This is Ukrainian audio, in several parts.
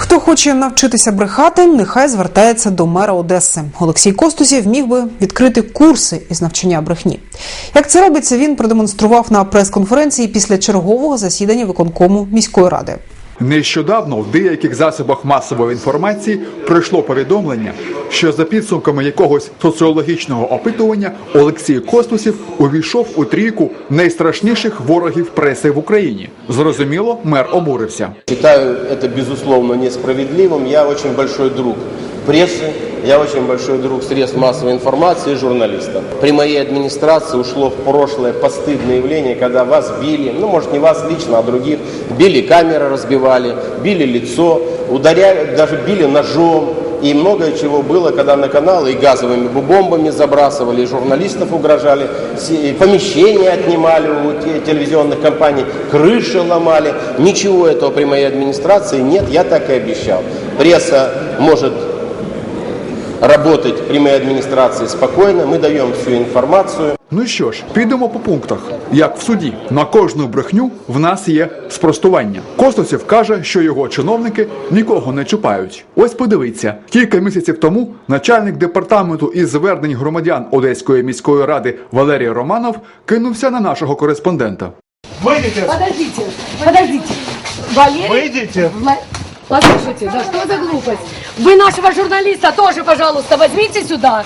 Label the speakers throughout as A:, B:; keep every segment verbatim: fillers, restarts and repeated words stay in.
A: Хто хоче навчитися брехати, нехай звертається до мера Одеси. Олексій Костусєв міг би відкрити курси із навчання брехні. Як це робиться, він продемонстрував на прес-конференції після чергового засідання виконкому міської ради.
B: Нещодавно в деяких засобах масової інформації пройшло повідомлення, що за підсумками якогось соціологічного опитування Олексій Костусєв увійшов у трійку найстрашніших ворогів преси в Україні. Зрозуміло, мер обурився.
C: Считаю это безусловно несправедливым. Я очень большой друг прессы, я очень большой друг средств массовой информации и журналистов. При моей администрации ушло в прошлое постыдное явление, когда вас били, ну может не вас лично, а других, били камеры, разбивали, били лицо, ударяли, даже били ножом. И многое чего было, когда на каналы и газовыми бомбами забрасывали, и журналистов угрожали, и помещения отнимали у телевизионных компаний, крыши ломали. Ничего этого при моей администрации нет, я так и обещал. Пресса может работать при моей администрации спокойно, мы даем всю информацию.
B: Ну що ж, підемо по пунктах. Як в суді. На кожну брехню в нас є спростування. Костусєв каже, що його чиновники нікого не чіпають. Ось подивіться, кілька місяців тому начальник департаменту із звернень громадян Одеської міської ради Валерій Романов кинувся на нашого кореспондента.
D: Выйдите!
E: Подождите, подождите. Валерий...
D: Выйдите!
E: Вла- Послушайте, да что за глупость? Вы нашего журналиста тоже, пожалуйста, возьмите сюда.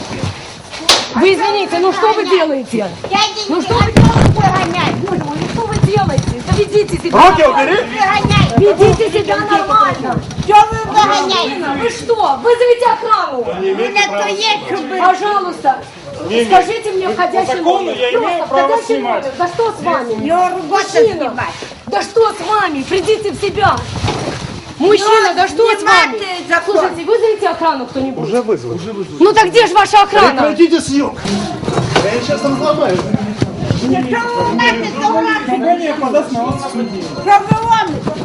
E: Вы извините, ну что вы делаете? Ну что вы делаете? Боже мой, ну что вы делаете? Да ведите себя
D: Руки
E: нормально.
D: убери!
E: Ведите себя нормально.
F: Что вы выгоняете?
E: Вы что? Вызовите охрану.
F: Это есть, чтобы...
E: Пожалуйста. Скажите мне входящий
D: закону
E: номер.
D: я имею
E: Просто
D: право
E: входящий
D: снимать.
E: номер. Да что с вами?
F: Его работа
E: Мужчина,
F: снимать.
E: да что с вами? Придите в себя. Мужчина,
F: Ну,
E: да что с вами?
F: снимайте закон.
E: Слушайте, вызовите охрану кто-нибудь.
D: Уже вызвали. Уже вызвали.
E: Ну так где же ваша охрана?
D: Прекратите съемку. Я сейчас там сломаю.
F: Что вы знаете, что у нас?
D: Компания подаст на вас в суде.
F: Что вы ломите?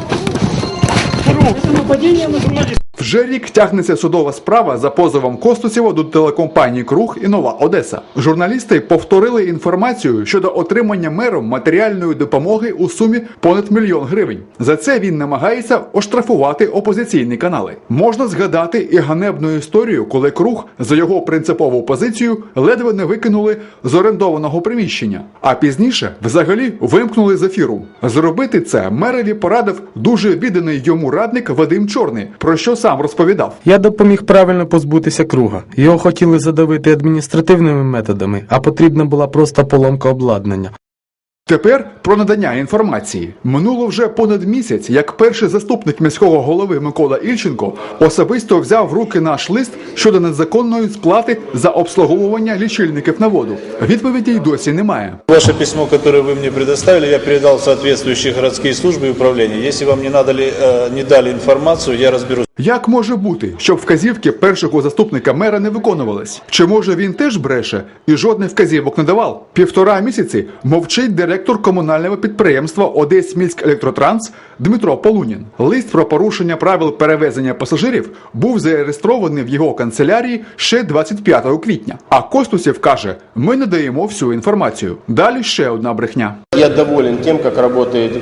D: Это нападение на журналиста.
B: Вже рік тягнеться судова справа за позовом Костусєва до телекомпаній «Круг» і «Нова Одеса». Журналісти повторили інформацію щодо отримання мером матеріальної допомоги у сумі понад мільйон гривень. За це він намагається оштрафувати опозиційні канали. Можна згадати і ганебну історію, коли «Круг» за його принципову позицію ледве не викинули з орендованого приміщення, а пізніше взагалі вимкнули з ефіру. Зробити це мерові порадив дуже відданий йому радник Вадим Чорний, про що сам розповідав.
G: Я допоміг правильно позбутися Круга. Його хотіли задавити адміністративними методами, а потрібна була просто поломка обладнання.
B: Тепер про надання інформації. Минуло вже понад місяць, як перший заступник міського голови Микола Ільченко особисто взяв в руки наш лист щодо незаконної сплати за обслуговування лічильників на воду. Відповіді й досі немає.
H: Ваше письмо, которое вы мне предоставили, я передал в соответствующие городские службы и управления. Если вам не, надали, э, не дали информацию, я разберусь.
B: Як може бути, щоб вказівки першого заступника мера не виконувались? Чи може він теж бреше і жодних вказівок не давав? Півтора місяці мовчить директор комунального підприємства «Одесьміськелектротранс» Дмитро Полунін. Лист про порушення правил перевезення пасажирів був зареєстрований в його канцелярії ще двадцять п'ятого квітня. А Костусєв каже, ми не даємо всю інформацію. Далі ще одна брехня.
C: Я доволен тем, как работает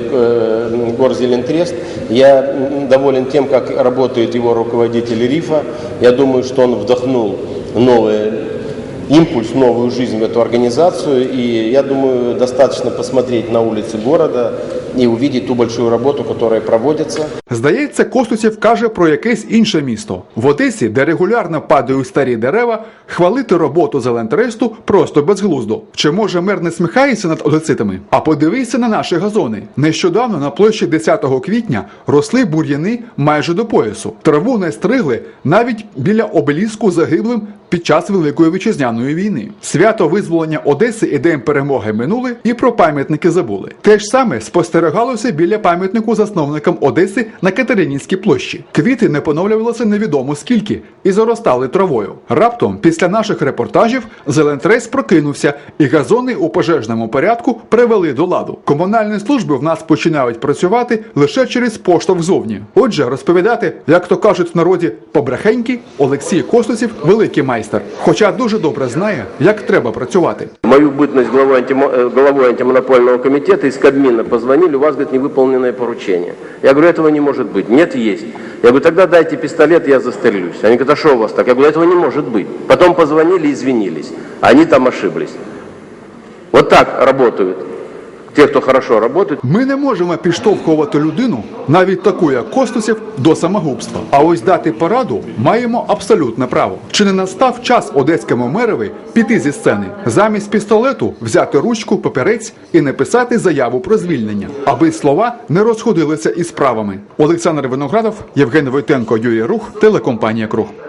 C: э, Горзелентрест. Я доволен тем, как работает его руководитель РИФа. Я думаю, что он вдохнул новый импульс, новую жизнь в эту организацию. И я думаю, достаточно посмотреть на улицы города і увидеть ту большую роботу, яка проводиться.
B: Здається, Костусєв каже про якесь інше місто. В Одесі, де регулярно падають старі дерева, хвалити роботу Зелентресту просто безглуздо. Чи може мер не сміхається над одеситами? А подивися на наші газони. Нещодавно на площі десятого квітня росли бур'яни майже до поясу. Траву не стригли навіть біля обеліску загиблим під час Великої Вітчизняної війни. Свято визволення Одеси і День перемоги минули, і про пам'ятники забули. Те ж саме спостерігалося біля пам'ятнику засновникам Одеси на Катеринінській площі. Квіти не поновлювалися невідомо скільки і заростали травою. Раптом, після наших репортажів, Зелентрест прокинувся і газони у пожежному порядку привели до ладу. Комунальні служби в нас починають працювати лише через поштовх зовні. Отже, розповідати, як то кажуть в народі, побрехеньки, Олексій Костусєв – великий майстер. майстер, хоча дуже добре знає, як треба працювати.
C: Мою бытность главой, антимо... э, главой антимонопольного комитета из Кабмина позвонили, у вас, говорит, невыполненное поручение. Я говорю, этого не может быть. Нет, есть. Я говорю, тогда дайте пистолет, я застрелюсь. Они говорят, а что у вас так? Я говорю, этого не может быть. Потом позвонили и извинились. Они там ошиблись. Вот так работают те, хто хорошо работает.
B: Ми не можемо підштовхувати людину, навіть таку, як Костусєв, до самогубства. А ось дати пораду маємо абсолютне право. Чи не настав час одеському мерові піти зі сцени? Замість пістолету взяти ручку, папірець і написати заяву про звільнення, аби слова не розходилися із справами. Олександр Виноградов, Євген Войтенко, Юрій Рух, телекомпанія «Круг».